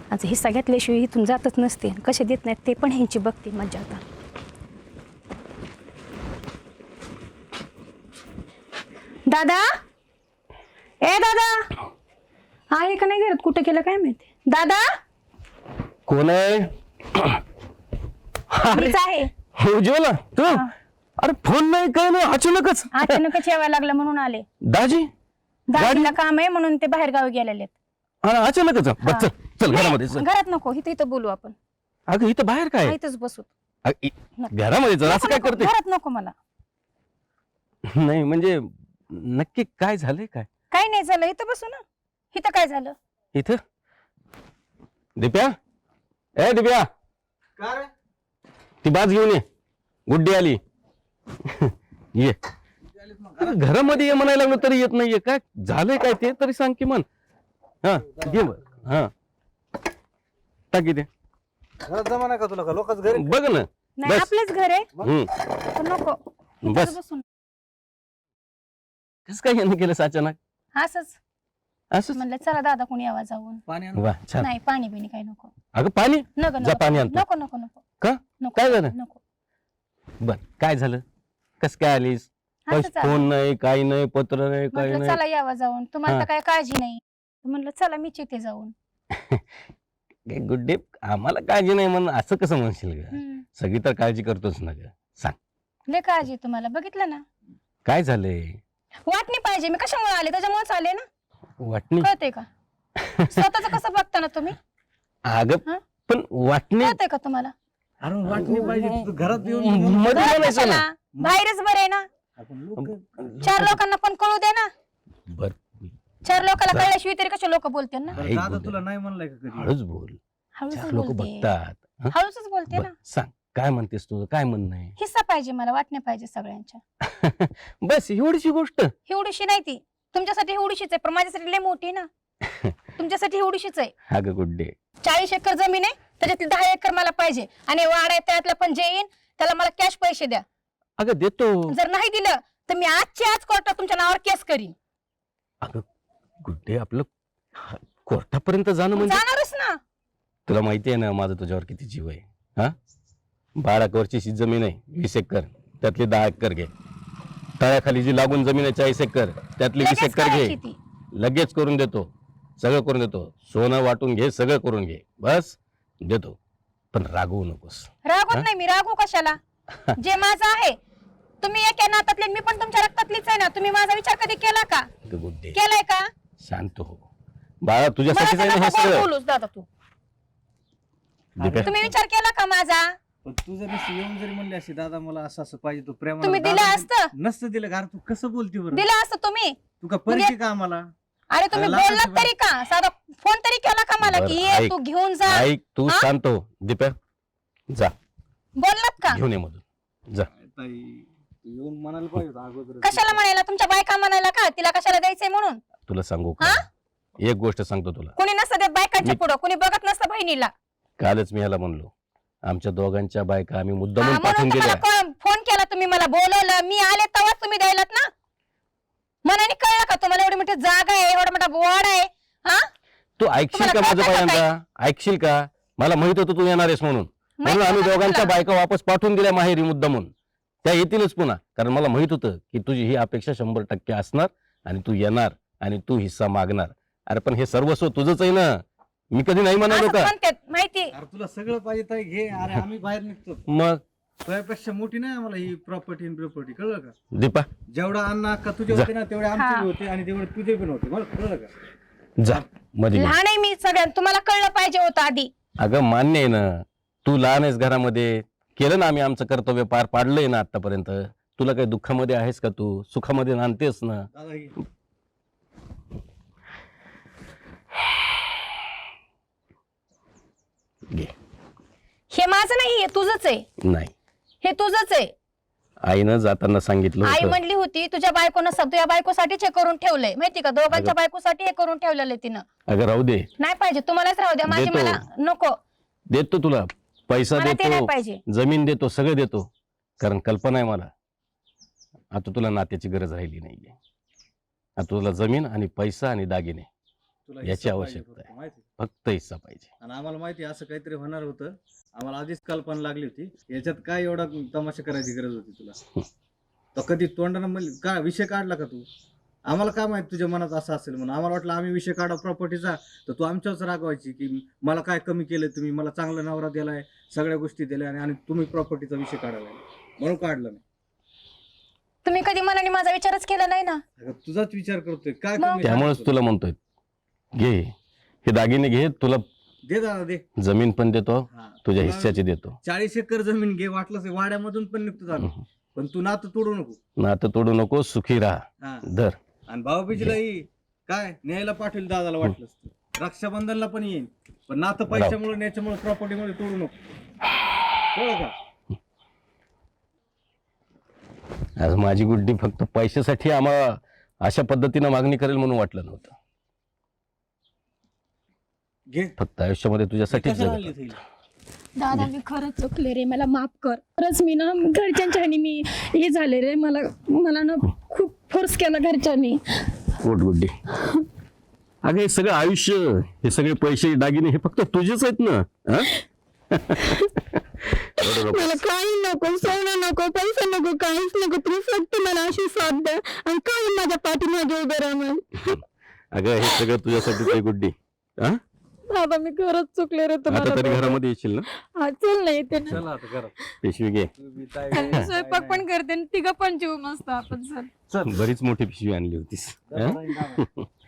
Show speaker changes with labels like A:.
A: आज हिस्सा घेतल्याशिवाय इथून जातच नसते. कसे देत नाहीत ते पण ह्यांची बघते मज्जा आता. दादा, ए दादा, आहे का नाही घरात? कुठे केलं काय माहिती. दादा
B: कोण आहे?
A: मीच आहे.
B: उज्ज्वला तू? अरे फोन नाही काय नाही, अचानकच
A: यायला लागलं म्हणून आले.
B: दाजी
A: दाजीला काम आहे म्हणून ते बाहेर गावी गेलेले.
B: अचानकच चल चल घरामध्ये चल.
A: घरात नको, इथं इथं बोलू आपण.
B: अगं इथं बाहेर काय?
A: इथंच बसू.
B: घरामध्ये चल. असं काय करते?
A: घरात नको मला.
B: नाही म्हणजे नक्की काय झालंय? काय
A: काय नाही झालं, इथं बसू ना. इथं काय झालं?
B: इथं दिप्या, ए दिप्या, ती बाज घेऊन ये. गुड्डी आली. ये घरामध्ये ये म्हणायला लागलो तरी येत नाहीये. काय झालंय काय ते तरी सांग की मन. हा घे बर. हा टाकी ते
C: जमाना का तुला का लोकच घरी
B: बघ ना.
A: नाही
B: बस.
A: आपलेच घर आहे.
B: हम्म
A: नको
B: बस.
A: बसून.
B: कस काय यानं केलं अचानक?
A: असंच
B: असं
A: म्हणलं चला दादा कोणी आवाज जाऊन.
C: पाणी आण.
B: वा छान.
A: नाही पाणी बिणी काही नको.
B: अगं पाणी
A: नको
B: जा
A: नको
B: पाणी आणतो.
A: नको नको नको
B: का
A: नको.
B: काय झालं?
A: नको.
B: बर काय झालं? कस काय आलीस?
A: असंच आलं.
B: फोन नाही, काही नाही, पत्र नाही, काही
A: म्हटलं
B: नाही.
A: चला यावा जाऊन. तुम्हाला
B: हा.
A: तर काय काळजी नाही. म्हणलं चला मीच इथे जाऊन.
B: Good day. आम्हाला काळजी नाही म्हणून असं कसं म्हणशील ग?
A: हम्म.
B: सगळी तर काळजी करतोच ना ग. सांग
A: लय काळजी तुम्हाला. बघितलं ना,
B: काय झालंय?
A: वाटणी पाहिजे. मी कशामुळे आले? त्याच्यामुळेच आले ना.
B: वाटणी?
A: कळते का? स्वतःच कसं बघता ना तुम्ही?
B: अगं
A: हा?
B: पण वाटणी
A: कळते का तुम्हाला?
C: अरे वाटणी पाहिजे तू घरात येऊन
B: मध्ये
A: घरात
B: बोलायचं
A: कशाला?
B: ना.
A: बाहेरच बरे ना.
C: आपण लोकं-
A: 4 लोकांना पण कळू दे ना.
B: बर
A: 4 लोकांना कळल्याशिवाय तरी कसे लोक बोलते ना.
C: बरं,
B: ऐक
C: दादा
B: बोल.
C: तुला नाही म्हणलंय का कधी?
B: हळूच बोल.
A: हळूच
B: लोक
A: बोलते.
B: बघतात. हं?
A: हळूच बोलते
B: बर,
A: ना.
B: सांग काय म्हणतेस तुझं? काय म्हणणं आहे?
A: हिस्सा पाहिजे मला. वाटणे पाहिजे सगळ्यांच्या.
B: बस एवढीशी गोष्ट.
A: एवढीशी नाही ती. तुमच्यासाठी एवढीशीच आहे पण माझ्यासाठी लय मोठी ना. तुमच्यासाठी एवढीशीच आहे.
B: अगं गुड डे.
A: 40 एकर जमीन आहे. त्याच्यातली 10 एकर मला पाहिजे. आणि वाड आहे त्यातला पण जे येईन त्याला मला कॅश पैसे द्या.
B: अगं देतो.
A: जर नाही दिलं तर मी आजच्या आज कोर्टात तुमच्या नावावर केस करीन.
B: अगं गुड डे, आपलं कोर्टापर्यंत जाणं म्हणजे
A: जाणारच ना.
B: तुला माहिती आहे ना माझं तुझ्यावर किती जीव आहे. हा 12 एकरची जमीन आहे. 20 एकर त्यातली 10 एकर घे. तळ्याखाली जी लागून जमीन आहे 40 एकर त्यातली 20
A: लगेच
B: एकर घे.
A: करायची ती.
B: लगेच करून देतो. सगळं करून देतो. सोनं वाटून घे, सगळं करून घे. बस देतो. पण रागवू नकोस.
A: रागवत
B: हा?
A: नाही मी. रागू कशाला? जे माझं आहे. तुम्ही एका नातातले, मी पण तुमच्या रक्तातलीच आहे ना. तुम्ही माझा विचार कधी केला का?
B: Good day.
A: केलाय का?
B: शांत हो बाळा, तुझ्यासाठीच आहे ना हे
A: मला
B: सगळं.
A: बोलूच दादा तू.
B: दिप्या,
A: तुम्ही विचार केला का माझा?
C: पण तू जर नुसतं येऊन जरी म्हणली अशी दादा मला असं असं पाहिजे तू प्रेम
A: तुम्ही दिलं असतं.
C: नसतं दिलं का? अरे तू कसं बोलती बरं?
A: दिलं असतं तुम्ही.
C: तू का परिचय का आम्हाला?
A: अरे तुम्ही
C: अरे
A: बोललात
C: लाखाची
A: तरी का? साधा फोन तरी केला का मला
B: बरं,
A: की ये
B: ऐक.
A: तू घेऊन जा?
B: ऐक तू
A: हा?
B: शांत हो. दिप्या जा
A: बोललात का?
B: घेऊन ये मधून जा.
C: ताई तू येऊन म्हणायला पाहिजे होतं अगोदर.
A: कशाला म्हणायला? तुमच्या बायका म्हणायला का? तिला कशाला द्यायचंय म्हणून?
B: तुला सांगू का?
A: हा?
B: एक गोष्ट सांगतो तुला.
A: कुणी नसतं देत बायकांच्या
B: मी-
A: पुढं. कुणी बघत नसतं बहिणीला.
B: कालच मी ह्याला म्हणलो आमच्या दोघांच्या बायका आम्ही
A: हा,
B: मुद्दामून
A: म्हणून
B: पाठवून
A: तुम्हाला
B: दिल्या.
A: फोन केला. तुम्ही मला बोलवलं. मी आले तेव्हाच तुम्ही द्यायलात ना. मनाने कळलं का तुम्हाला? एवढी मोठी जागा आहे, एवढा मोठा बोर्ड आहे. हा
B: तू ऐकशील का
A: तुम्हाला
B: माझं
A: कळतं का
B: पहिल्यांदा? ऐकशील का? मला माहित होतं तू येणार आहेस म्हणून. म्हणून आम्ही
A: माहिती
B: दोघांच्या
A: तुला?
B: बायका वापस पाठवून दिल्या माहेरी मुद्दामून. त्या येतीलच पुन्हा. कारण मला माहित होतं की तुझी ही अपेक्षा 100% असणार आणि तू येणार आणि तू हिस्सा मागणार. अरे पण हे सर्वस्व तुझंच आहे ना. मी कधी नाही म्हणालो
A: असंच
B: का?
A: म्हणतात, माहिती.
C: अरे तुला सगळं पाहिजे ताई घे. अरे आम्ही बाहेर निघतो.
B: मग
C: तुझ्यापेक्षा मोठी नाही आम्हाला ही प्रॉपर्टी कळलं का?
B: दीपा
C: जेवढा अण्णा अक्का तुझे
B: जा.
C: होते ना तेवढे आमचे
A: हा.
C: बी होते आणि तेवढे तुझे पण होते. मला कळलं का?
B: जा मध्ये घे.
A: लहान आहे मी सगळ्यात. तुम्हाला कळलं पाहिजे होतं आधी.
B: अगं मान्य आहे ना. तू लहान आहेस घरामध्ये. केलं ना आम्ही आमचं कर्तव्य पार पाडलंय ना आतापर्यंत. तुला काही दुःखामध्ये आहेस का? तू सुखामध्ये नांदतेस ना.
C: दादा घे.
B: घे.
A: हे माझं नाही, हे तुझंच आहे.
B: नाही
A: हे तुझंच आहे.
B: आईनं जाताना सांगितलं
A: आई
B: होतं.
A: म्हणली होती तुझ्या बायकोनं तुझ्या बायकोसाठीच हे करून ठेवलंय. माहिती का? दोघांच्या बायकोसाठी हे करून ठेवलेलं आहे तिनं.
B: अगं राहू दे.
A: नाही पाहिजे. तुम्हालाच राहू द्या. माझी
B: देतो.
A: मला नको.
B: देतो तुला पैसा
A: मला ते नाही
B: देतो,
A: पाहिजे.
B: जमीन देतो, सगळं देतो. कारण कल्पना आहे मला आता तुला नात्याची गरज राहिली नाहीये. आता तुला जमीन आणि पैसा आणि दागिने
C: तुला
B: याची
C: हिस्सा
B: आवश्यकता
C: पाहिजे
B: आहे.
C: फक्त, माहिती
B: फक्त हिस्सा पाहिजे.
C: आणि आम्हाला माहिती आहे असं काहीतरी होणार होतं. आम्हाला आधीच कल्पना लागली होती. याच्यात काय एवढा तमाशा करायची गरज होती तुला? तर कधी तोंडानं म्हणजे काय विषय काढला का तू? आम्हाला काय माहित तुझ्या मनात असं असेल म्हणून. आम्हाला वाटलं आम्ही विषय काढा प्रॉपर्टीचा, तर तू आमच्याच रागवायची की मला काय कमी केलं तुम्ही, मला चांगला नवरा दिलाय, सगळ्या गोष्टी दिल्या आणि तुम्ही प्रॉपर्टीचा विषय काढायला म्हणून काढलं नाही.
A: तुम्ही कधी मनाने माझा विचारच केला नाही ना.
C: अगं, तुझाच विचार करतोय काय
A: मग?
C: कमी
B: त्यामुळेच
C: सांगतो
B: तुला म्हणतोय घे हे दागिने घे, तुला
C: दे दादा दे.
B: जमीन पण देतो,
C: हा.
B: तुझ्या
C: तुला
B: हिस्स्याची देतो.
C: 40 एकर जमीन घे, वाटलं ते वाड्यामधून पण निघतो झालं. पण तू नातं तोडू नको.
B: नातं तोडू नको, सुखी राहा.
C: हा.
B: धर.
C: आणि भाऊबीजीलाही काय न्यायला पाठवेल दादाला वाटलंच तर. रक्षाबंधनला पण येईल. पण नातं पैशामुळे न्याच्यामुळे प्रॉपर्टीमुळे तोडू नको. कळलं का?
B: आज माझी गुड्डी फक्त पैशासाठी आम्हाला अशा पद्धतीनं मागणी करेल म्हणून वाटलं नव्हतं.
C: घे.
B: फक्त आयुष्यामध्ये तुझ्यासाठीच
C: कशाला
B: जगत
C: आणली
B: होतो.
C: थैली?
D: दादा मी खरंच चुकले रे, मला माफ कर. खरंच मी ना घरच्यांच्या ह्यानी मी हे झाले रे, मला मला ना खूप फोर्स केला घरच्यांनी.
B: पोट गुड्डी. अगं हे सगळं आयुष्य, हे सगळे पैसे दागिने हे फक्त तुझेच आहेत ना. हा? रडू नको.
D: मला काही नको, सोनं नको, पैसा नको, काहीच नको. तुम्ही फक्त मला अशी साथ द्या आणि काही माझ्या पाठीमागे उभे राहा मला.
B: अगं हे सगळं तुझ्यासाठीच आहे गुड्डी. हा?
D: दादा मी खरंच चुकले रे
B: आता
D: तुम्हाला.
B: तरी घरामध्ये येशील ना.
D: हा चल ना येते ना.
C: चला आता घरात.
B: पिशवी घे.
C: तू बी ताई-
D: आणि मी स्वयंपाक पण करते आणि तिघं पण जीव मस्त आपण चल.
B: बरीच मोठी पिशवी आणली होतीस. हा?
C: चला,